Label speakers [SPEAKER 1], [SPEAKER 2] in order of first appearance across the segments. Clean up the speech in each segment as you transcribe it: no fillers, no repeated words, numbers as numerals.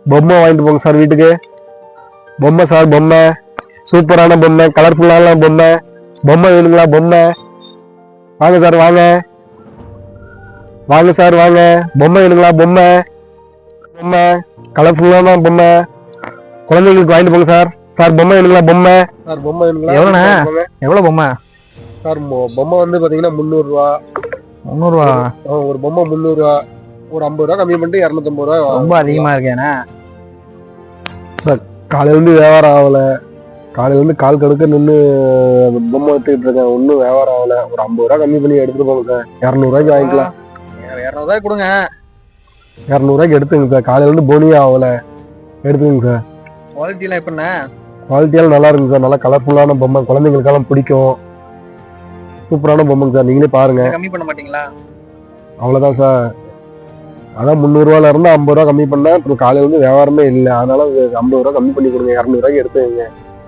[SPEAKER 1] பொம்மை வாங்கிட்டு போங்க சார் வீட்டுக்கு. பொம்மை சார், பொம்மை சூப்பரான பொம்மை, கலர்ஃபுல்லான பொம்மை. பொம்மை வேணுங்களா? பொம்மை வாங்க சார், வாங்க வாங்க சார், வாங்க. பொம்மை வேணுங்களா? பொம்மை பொம்மை கலர்ஃபுல்லான பொம்மை குழந்தைங்களுக்கு வாங்கிட்டு போங்க சார். சார் பொம்மை வேணுங்களா? பொம்மை சார், பொம்மை வேணுங்களா?
[SPEAKER 2] எவ்வளோண்ணே? எவ்வளோ பொம்மை
[SPEAKER 1] சார்? பொம்மை வந்து பாத்தீங்கன்னா 300 ரூபா.
[SPEAKER 2] 300 ரூபா?
[SPEAKER 1] ஒரு பொம்மை 300 ரூபா. ஒரு 50 ரூபா கம்மி பண்ணிட்டு 250 ரூபா.
[SPEAKER 2] ரொம்ப அதிகமா இருக்கேண்ணே
[SPEAKER 1] சார். காலையில இருந்து வியாபாரம் ஆகல. காலையில இருந்து கால் கடுக்க நின்று பொம்மை எடுத்துக்கிட்டு இருக்கேன். ஒன்றும் வியாபாரம் ஆகல. ஒரு 50 ரூபா கம்மி பண்ணி எடுத்துட்டு போங்க சார். 200 ரூபாய்க்கு வாங்கிக்கலாம்.
[SPEAKER 2] 200 ரூபாய் கொடுங்க.
[SPEAKER 1] 200 ரூபாய்க்கு எடுத்துங்க சார். காலையில இருந்து போனியே ஆகல, எடுத்துங்க சார்.
[SPEAKER 2] குவாலிட்டிலாம் எப்படிண்ணே?
[SPEAKER 1] குவாலிட்டியெல்லாம் நல்லா இருக்குங்க சார். நல்லா கலர்ஃபுல்லான பொம்மை, குழந்தைங்களுக்கெல்லாம் பிடிக்கும். சூப்பரான பொம்மைங்க சார், நீங்களே பாருங்க.
[SPEAKER 2] கம்மி பண்ண மாட்டீங்களா?
[SPEAKER 1] அவ்வளோதான் சார். அதான் 300 ரூபாயில இருந்து 50 ரூபா கம்மி பண்ணேன். இப்போ காலையில இருந்து வியாபாரமே இல்லை, அதனால 50 ரூபா கம்மி பண்ணி கொடுங்க. 200 ரூபாய்க்கு எடுத்துங்க.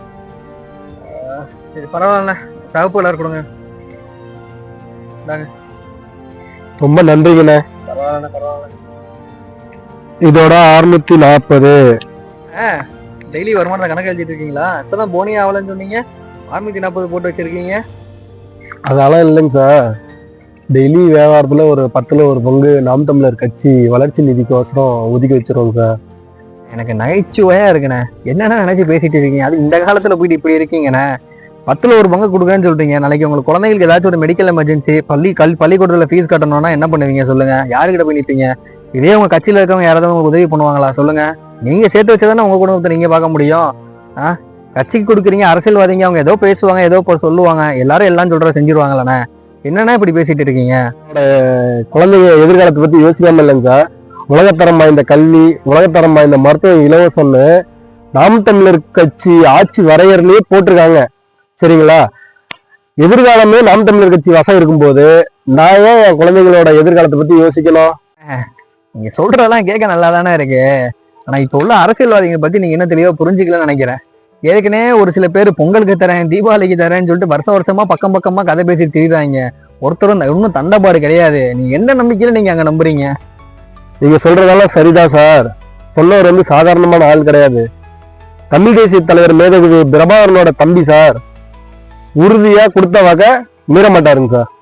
[SPEAKER 2] சரி பரவாயில்ல, சிவப்பு கலர் கொடுங்க.
[SPEAKER 1] ரொம்ப நன்றிங்கண்ணே.
[SPEAKER 2] பரவாயில்ல பரவாயில்ல.
[SPEAKER 1] இதோட 640.
[SPEAKER 2] டெய்லி வருமானத்தை கணக்கு எழுதிட்டு இருக்கீங்களா? இப்பதான் போனியே ஆகலன்னு சொன்னீங்க, 640 போட்டு வச்சிருக்கீங்க.
[SPEAKER 1] அதெல்லாம் இல்லைங்க சார். டெய்லி வியாபாரத்துல ஒரு 10ல் ஒரு பங்கு நாம் தமிழர் கட்சி வளர்ச்சி நிதிக்கோசரம் ஒதுக்கி வச்சிருவோங்க சார்.
[SPEAKER 2] எனக்கு நகைச்சுவையா இருக்குண்ணே. என்னென்ன நினைச்சு பேசிட்டு இருக்கீங்க? அது இந்த காலத்துல போயிட்டு இப்படி இருக்கீங்கண்ணே. 10ல் ஒரு பங்கு கொடுக்கன்னு சொல்றீங்க. நாளைக்கு உங்களுக்கு குழந்தைங்களுக்கு ஏதாச்சும் ஒரு மெடிக்கல் எமர்ஜென்சி, பள்ளிக்கூடத்துல ஃபீஸ் கட்டணும்னா என்ன பண்ணுவீங்க சொல்லுங்க? யாருக்கிட்ட போய் நிற்பீங்க? இதே உங்க கட்சியில இருக்கவங்க யாராவது உங்களுக்கு உதவி பண்ணுவாங்களா சொல்லுங்க? நீங்க சேர்த்து வச்சதானே உங்க குடும்பத்தை நீங்க பார்க்க முடியும். கட்சிக்கு கொடுக்குறீங்க, அரசியல்வாதிங்க அவங்க ஏதோ பேசுவாங்க, ஏதோ சொல்லுவாங்க, எல்லாரும் எல்லாம் சொல்ற செஞ்சிருவாங்களாண்ணே. என்னன்னா இப்படி பேசிட்டு இருக்கீங்க?
[SPEAKER 1] குழந்தைங்க எதிர்காலத்தை பத்தி யோசிக்காம இல்லைங்க சார். உலகத்தரம் வாய்ந்த கல்வி, உலகத்தரம் வாய்ந்த மருத்துவம் இலவசம்னு நாம் தமிழர் கட்சி ஆட்சி வரையறையிலேயே போட்டிருக்காங்க. சரிங்களா? எதிர்காலமே நாம் தமிழர் கட்சி வசம் இருக்கும்போது நான் ஏன் என் குழந்தைங்களோட எதிர்காலத்தை பத்தி யோசிக்கணும்?
[SPEAKER 2] நீங்க சொல்றதெல்லாம் கேட்க நல்லா தானே இருக்கு. ஆனா இப்ப உள்ள அரசியல்வாதிகளை பத்தி நீங்க என்ன தெளிவா புரிஞ்சுக்கலன்னு நினைக்கிறேன். ஏற்கனவே ஒரு சில பேர் பொங்கலுக்கு தரேன், தீபாவளிக்கு தரேன்னு சொல்லிட்டு வருஷமா பக்கமா கதை பேசி திரிறாங்க. ஒருத்தரும் இன்னும் தண்டபாடு கிடையாது. நீங்க எந்த நம்பிக்கையில நீங்க அங்க நம்புறீங்க?
[SPEAKER 1] நீங்க சொல்றதெல்லாம் சரிதான் சார். சொன்னவர் வந்து சாதாரணமான ஆள் கிடையாது. தமிழ் தேசிய தலைவர் மேதகு பிரபாகரனோட தம்பி சார். உறுதியா கொடுத்த வகை மீற மாட்டாருங்க சார்.